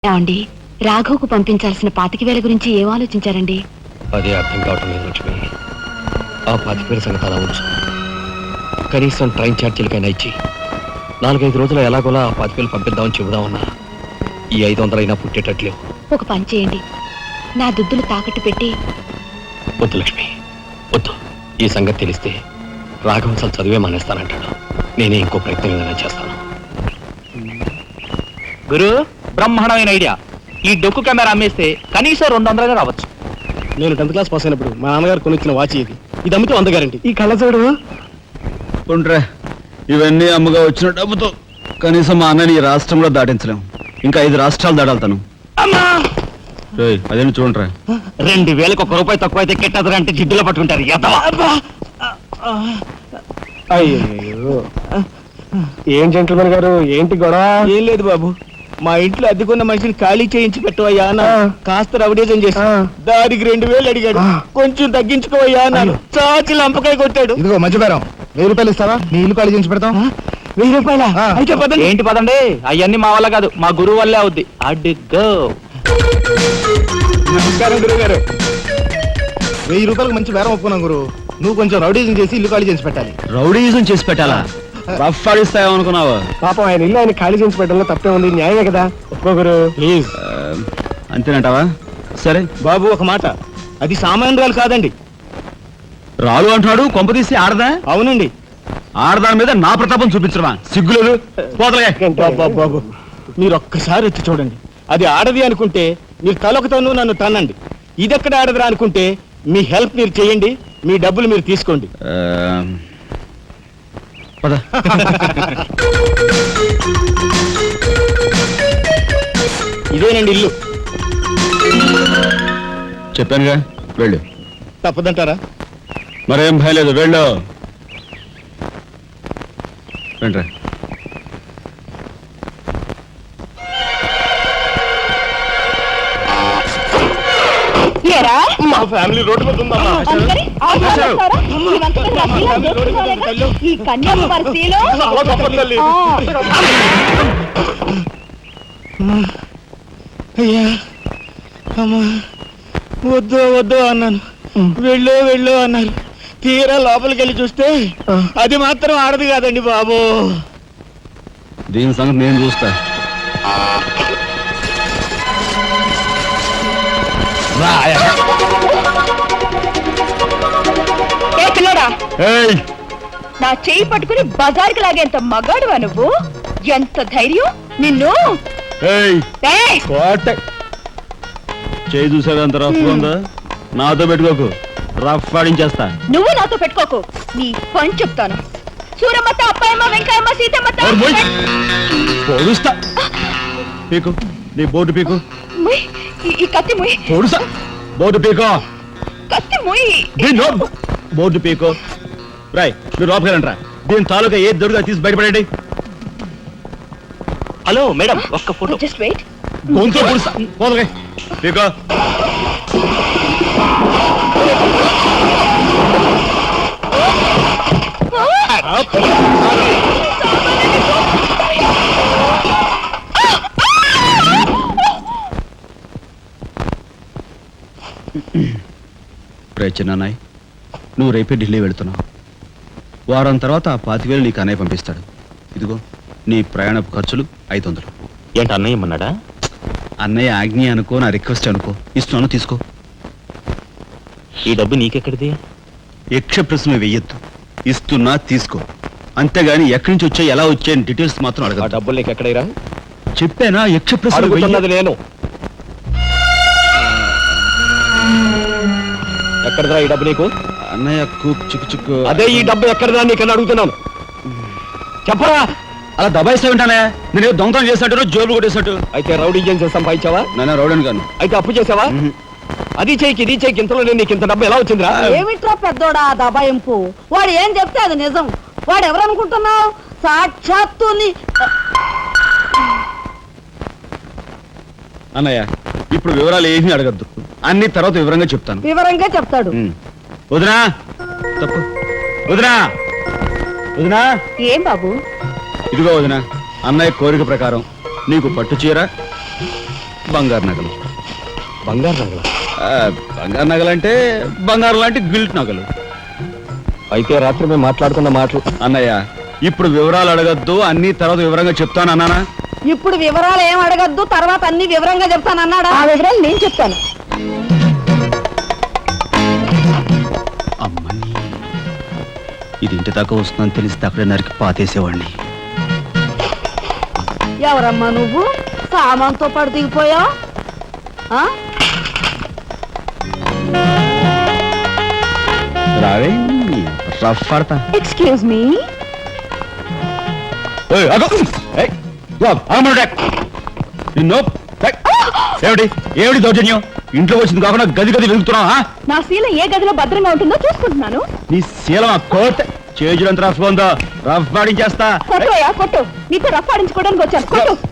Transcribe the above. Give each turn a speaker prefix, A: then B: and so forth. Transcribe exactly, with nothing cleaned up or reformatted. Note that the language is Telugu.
A: ఏమండి, రాఘవ్కు పంపించాల్సిన పాతిక వేల గురించి ఏం ఆలోచించారండి?
B: అదే అర్థం కావటం లేదు లక్ష్మి. ఆ పాతిక వేల సంగతి అలా ఉంచు. కనీసం ట్రైన్ ఛార్జీలకైనా ఇచ్చి నాలుగైదు రోజులు ఎలాగోలా ఆ పాతిక వేలు పంపిద్దామని చెబుదామన్నా ఈ ఐదు వందలైనా పుట్టేటట్లేవు.
A: ఒక పని చేయండి, నా దుద్దులు తాకట్టు పెట్టి.
B: వద్దు లక్ష్మి, వద్దు. ఈ సంగతి తెలిస్తే రాఘవ్ అసలు చదివే మానేస్తానంటాడు. నేనే ఇంకో ప్రయత్నం ఏదైనా చేస్తాను.
C: గురు, బ్రహ్మాండమైన ఐడియా. ఈ డొక్కు కెమెరా అమ్మేస్తే కనీసం రెండు వందలుగా రావచ్చు.
D: నేను టెన్త్ క్లాస్ పాస్ అయినప్పుడు మా నాన్నగారు కొనిచ్చిన వాచ్ ఇది. ఇది అమ్మితే వంద గ్యారంటీ. ఈ కళ్ళజోడు
E: ఉంట్రా, ఇవన్నీ అమ్మగా వచ్చిన డబ్బుతో కనీసం మా అన్నని ఈ రాష్ట్రంలో దాటించలేము. ఇంకా ఐదు రాష్ట్రాలు దాడాలతాను. అదేంటి చూడండిరా,
C: రెండు వేలకు ఒక రూపాయి తక్కువ అయితే కెట్టదురా అంటే జిడ్డులో పట్టుకుంటారు.
D: అయ్యో, ఏం జెంటల్మెన్ గారు, ఏంటి గొడవ?
F: ఏం లేదు బాబు, మా ఇంట్లో అద్దెకున్న మనిషిని ఖాళీ చేయించి పెట్టవయ్యా అన్న. కాస్త రవిడేజం చేసి దానికి రెండు వేలు అడిగాడు. కొంచెం తగ్గించుకోవయ్యా అన్నాను. చాచి లంపకాయ కొట్టాడు.
D: ఇదిగో మధ్యపేరం, వెయ్యి రూపాయలు ఇస్తావా? నీ ఇల్లు ఖాళీ చేయించి పెడతాం.
F: వెయ్యి రూపాయల అయితే పదండి.
C: ఏంటి పదండి, అవన్నీ మా వల్ల కాదు, మా గురువు వల్లే అవుద్ది. అడ్డుగో.
F: నమస్కారం గురువు గారు.
D: వెయ్యి రూపాయలకు మంచి బేరం ఒప్పుకున్నాం గురు. నువ్వు కొంచెం రౌడీజం చేసి ఇల్లు ఖాళీ చేసి పెట్టాలి.
E: రౌడీజం చేసి పెట్టాలా? రఫ్ ఆడిస్తాయో అనుకున్నావా?
D: పాపం ఆయన ఇల్లు ఆయన ఖాళీ చేసి పెట్టడంలో తప్పే ఉంది. న్యాయమే కదా. ఒప్పుకో గురు, ప్లీజ్.
E: అంతేనంటావా? సరే
F: బాబు, ఒక మాట, అది సామాన్యురాలు కాదండి.
E: రాలు అంటున్నాడు. కొంపదీసి ఆడదా?
F: అవునండి.
E: ఆడదాని మీద నా ప్రతాపం చూపించడమా? సిగ్గులేదు. పోతలే.
F: బాబు బాబు, మీరు ఒక్కసారి వచ్చి చూడండి. అది ఆడది అనుకుంటే మీరు తలొకతోనూ నన్ను తన్నండి. ఇదెక్కడ ఆడదురా అనుకుంటే మీ హెల్ప్ మీరు చేయండి, మీ డబ్బులు మీరు తీసుకోండి.
E: పద.
F: ఇదేనండి ఇల్లు.
E: చెప్పానుగా, వెళ్ళు.
F: తప్పదంటారా?
E: మరేం భయం లేదు, వెళ్ళు. రండి.
D: మా ఫ్యామిలీ రోడ్డు మీద ఉందా?
A: ఈ కన్యాకుమారిలో
F: అయ్యా, అమ్మా, వద్దు వద్దు అన్నాను. వెళ్ళు వెళ్ళు అన్నారు. తీరా లోపలికి వెళ్ళి చూస్తే అది మాత్రం ఆడదు కాదండి బాబు.
E: దీని సంగతి నేను చూస్తా.
A: నా చెయ్యి పట్టుకుని బజార్కి లాగేంత మగాడువా నువ్వు? ఎంత ధైర్యం నిన్ను!
E: చేయి చూసావు ఎంత రఫ్ ఉందా? నాతో పెట్టుకోకు, రఫ్ ఆడించేస్తా.
A: నువ్వు నాతో పెట్టుకోకు, నీ పని చెప్తాను. సూరమ్మత, అప్పాయమ్మ, వెంకాయమ్మ, సీతమ్మత.
E: పొడుస్తా. పీకు, నీ బోర్డు పీకు.
A: ఈ కత్తి ముయ్.
E: పొడుసా. బోర్డు పీకో.
A: కత్తి ముయ్.
E: బోర్డు పీకో. రాయ్, మీరు లోపకెళ్ళంట్రా. దీని తాలూకా ఏ దొరుకుతా తీసి బయటపడండి.
C: హలో మేడం, ఒక్క ఫోటో.
A: Just wait.
E: గొంతు పొడుస్తా. పోదలే. పీకో. చిన్నాయ్, నువ్వు రేపే ఢిల్లీ వెళుతున్నావు. వారం తర్వాత ఆ పాతివేలు నీకు అన్నయ్య పంపిస్తాడు. ఇదిగో నీ ప్రయాణపు ఖర్చులు ఐదు వందలు.
C: ఏంటి అన్నయ్య ఏమన్నాడా?
E: అన్నయ్య ఆజ్ఞ అనుకో, నా రిక్వెస్ట్ అనుకో. ఇస్తున్నాను, తీసుకో.
C: ఈ డబ్బు నీకెక్కడిది?
E: యక్ష ప్రశ్న వెయ్యొద్దు. ఇస్తున్నా, తీసుకో. అంతేగాని ఎక్కడి నుంచి వచ్చాయి, ఎలా వచ్చాయని డీటెయిల్స్ మాత్రం అడగ.
B: ఆ డబ్బులు నీకు ఎక్కడైరా?
E: చెప్పానా? యక్ష ప్రశ్న
B: అడుగుతున్నది నేను. ఎక్కడదా ఈ డబ్బు నీకు?
E: అన్నయ్య కుక్ చిక్కు చిక్కు.
B: అదే ఈ డబ్బు ఎక్కడదా నీకన్నా అడుగుతున్నాను. చెప్పరా?
E: అలా దబాయిస్తా ఉంటానే. నేను దొంగతనం చేసినట్టు, జోబులు కొట్టేసినట్టు.
B: అయితే రౌడీ చేసి సంపాదించావా?
E: నాన్న రౌడీని కాను.
B: అయితే అప్పు చేసావా? అది చేయికి ఇది చేయికి ఇంతలో నేను నీకు ఇంత డబ్బు ఎలా వచ్చిందిరా?
G: ఏమిట్రా పెద్దోడా దబాయింపు? వాడు ఏం చెప్తే అది నిజం. వాడు ఎవరనుకుంటున్నావు? సాక్షాత్తు
E: అన్నయ్య, ఇప్పుడు వివరాలు ఏమీ అడగద్దు. అన్ని తర్వాత వివరంగా చెప్తాను.
G: వివరంగా చెప్తాడు.
E: వదినా, తప్పు. వదినా, వదినా.
A: ఏం బాబు?
E: ఇదిగో వదినా, అన్నయ్య కోరిక ప్రకారం నీకు పట్టు చీర, బంగారు నగలు.
B: బంగారు నగల
E: ఆ, బంగారు నగలంటే బంగారు లాంటి గిల్ట్ నగలు.
B: అయితే రాత్రి మేము మాట్లాడుకున్న మాటలు
E: అన్నయ్య ఇప్పుడు వివరాలు అడగద్దు, అన్ని తర్వాత వివరంగా చెప్తాను అన్నానా?
G: ఇప్పుడు వివరాలు ఏం అడగద్దు, తర్వాత అన్ని వివరంగా చెప్తానన్నాడా?
A: ఆ వివరాలు నేను చెప్తాను.
E: అమ్మని ఇది ఇంటి దాకా వస్తుందని తెలిస్తే అక్కడే నరికి పాతేసేవాడిని.
G: ఎవరమ్మా నువ్వు? సామాన్తో పాటు దిగిపోయా?
E: రావే రఫ్ పడతా.
A: Excuse me.
E: ఏయ్, ఆగు. ఏయ్, ఇదిగో, ఆగమను డాక్. నిన్ను డాక్. ఏమిటి ఏమిటి దౌర్జన్యం? ఇంట్లో వచ్చింది కాకుండా గది గది వెలుగుతున్నావా?
A: నా శీల ఏ గదిలో భద్రంగా ఉంటుందో చూసుకుంటున్నాను.
E: నీ శీలం కోట్ చేజులంత రఫ్ ఉందో రఫ్ పాడించేస్తా.
A: కొట్టుయా కొట్టు. నీతో రఫ్ ఆడించుకోవడానికి వచ్చాను. కొట్టు.